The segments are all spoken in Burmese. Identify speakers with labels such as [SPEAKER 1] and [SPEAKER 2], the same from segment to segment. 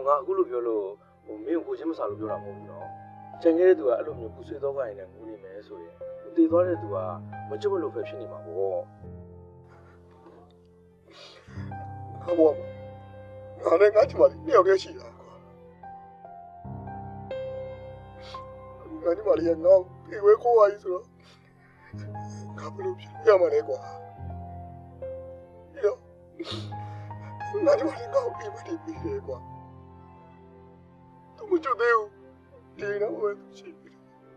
[SPEAKER 1] ငါအခုလိုပြောလို့မင်းကိုချင်းမစားလို့ပြောတာမဟုတ်ဘူးနော်ကြံခဲ့တဲ့သူကအဲ့လိုမျိုးပူဆွေးတော့ကိုင်းနေငူနေမယ်ဆိုရင်တည်သွားတဲ့သူကမကြွမလို့ပဲဖြစ်နေမှာပေါ့
[SPEAKER 2] ဟာဘောငါလည်းငါ့ချမလေးနှစ်ယောက်တည်းရှိတာကွာငါ့ချမလေးကငါ့ပြေဝဲကိုဝါကြီးဆိုတော့ငါဘယ်လိုဖြစ်ရမှာလဲကွာပြီးတော့ငါ့ချမလေးငါ့ကိုပြေမတည်ပြီးတယ်ကွာသူမကြွသေးဘူးဒီတော့ဝဲရှိပြီ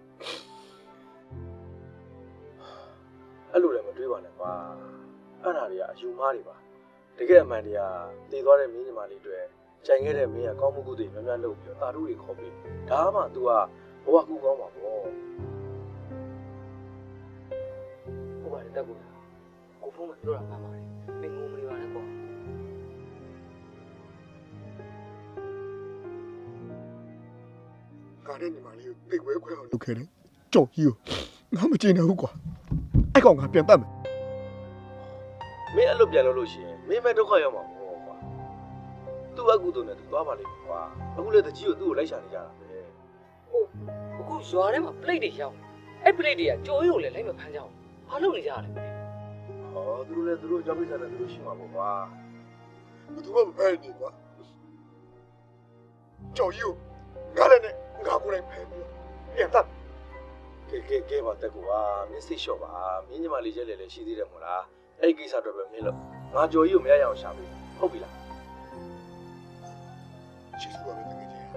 [SPEAKER 1] အဲ့လိုလည်းမတွေးပါနဲ့ကွာအဲ့ဒါတွေကအယူမားတွေပါတကယ်အမှန်တရားတည်သွားတဲ့မင်းညီမလေးတွေကြံခဲ့တဲ့မင်းကကောင်းမှုကုသိုလ်များများလုပ်ပြီးတော့တာတို့တွေခေါ်ပြီးဒါမှ तू ကဘဝကူကောင်းပါပေါ့
[SPEAKER 3] ဟုတ်ပါတယ်တက်ကူကိုဖုန်းမှာပြောတာမှန်ပါတယ်မင်းငုံမနေပါနဲ့ကွာ
[SPEAKER 2] ငါနဲ့ညီမလေးကိုသိဝဲခွဲအောင်လုပ်ခဲ့တယ်ကြောက်ကြီးကိုငါမကျင်တော့ဘူးကွာအဲ့ကောင်ငါပြန်တတ်မယ်
[SPEAKER 1] မင်းအဲ့လိုပြန်လို့လို့ရှိရင်မင်းပဲဒုက္ခရောက်မှာပေါ့ကွာ तू အကူတုံနဲ့ तू သွားပါလိမ့်မယ်ကွာအခုလေတကြီးကိုသူ့ကိုလိုက်ရှာနေကြတာပဲ
[SPEAKER 3] ဟုတ်အခုရွာထဲမှာ plate တွေရောက်အဲ့ plate တွေကကြိုးရုံလည်းလိုက်မဖမ်းကြအောင်ဘာလုပ်နေကြရလဲ
[SPEAKER 1] ဟောသူတို့လည်းသူတို့ကြောက်ပိစားတယ်သူတို့ရှိမှာပေါ့ကွာ
[SPEAKER 2] ဘယ်သူမှမဖဲနေကွာကြောက်ကြီးကိုငါလည်းနဲ့ငါကိုယ်တိုင်ဖဲပြီးပြန်တတ်
[SPEAKER 1] ကဲပါတက်ကွာမင်းစိတ်လျှော့ပါမင်းညီမလေးကျဲလေလေရှိသေးတယ်မို့လားအဲ့ဒီကိစ္စတော့ပဲမင်းလို့ငါကြော်ကြီးကိုမရရအောင်ရှာပေးဟုတ်ပြီလား
[SPEAKER 2] ကျေးဇူးပါပဲတကယ်ကြီး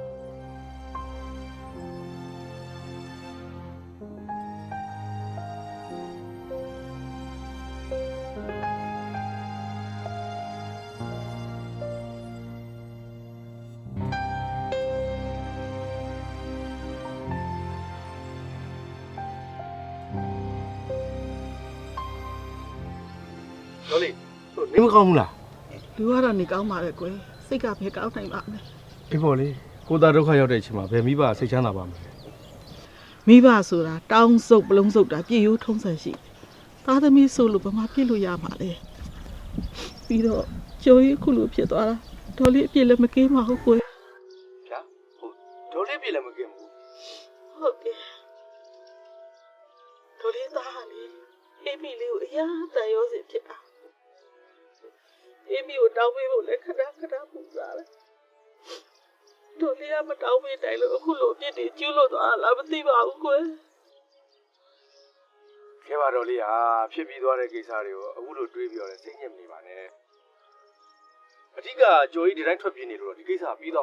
[SPEAKER 1] တော်လေးနေမကောင်းဘူးလား
[SPEAKER 4] လူကတော့နေကောင်းပါလေကွယ်စိတ်ကဘယ်ကောင်းနိုင်ပါ့မလဲ
[SPEAKER 1] အေးပေါ့လေကိုသားဒုက္ခရောက်တဲ့အချိန်မှာဘယ်မိဘစိတ်ချမ်းသာပါမလဲ
[SPEAKER 4] မိဘဆိုတာတောင်းစုပ်ပလုံးစုပ်တာပြည့်ရိုးထုံးစံရှိသားသမီးဆိုလို့ဘာမှပြည့်လို့ရမှာလဲပြီးတော့ကြိုးရီခုလိုဖြစ်သွားတာဒေါ်လေးအပြည့်လည်းမကင်းပါဘူးကွယ်
[SPEAKER 1] ဗျာဟုတ်ဒေါ်လေးပြေလည်းမကင်းဘူး
[SPEAKER 4] ဟုတ်တယ်ဒေါ်လေးသားဟာလေအေးမီလေးကိုအရာတန်ရောစီဖြစ်တာအေးမီကိုတောင်းပေးဖို့လည်းခဏခဏပူစားတယ်ဒေါ်လေးကမတောင်းပေးနိုင်လို့အခုလိုအပြစ်တွေကျူးလို့သွားတာလားမသိပါဘူးကွယ်
[SPEAKER 1] ခဲပါတော်လေးဟာဖြစ်ပြီးသွားတဲ့ကိစ္စတွေကိုအခုလိုတွေးပြီးတော့လည်းစိတ်ညစ်မနေပါနဲ့အဓိကကြော်ကြီးဒီတိုင်းထွက်ပြေးနေလို့တော့ဒီကိစ္စပြီးတော့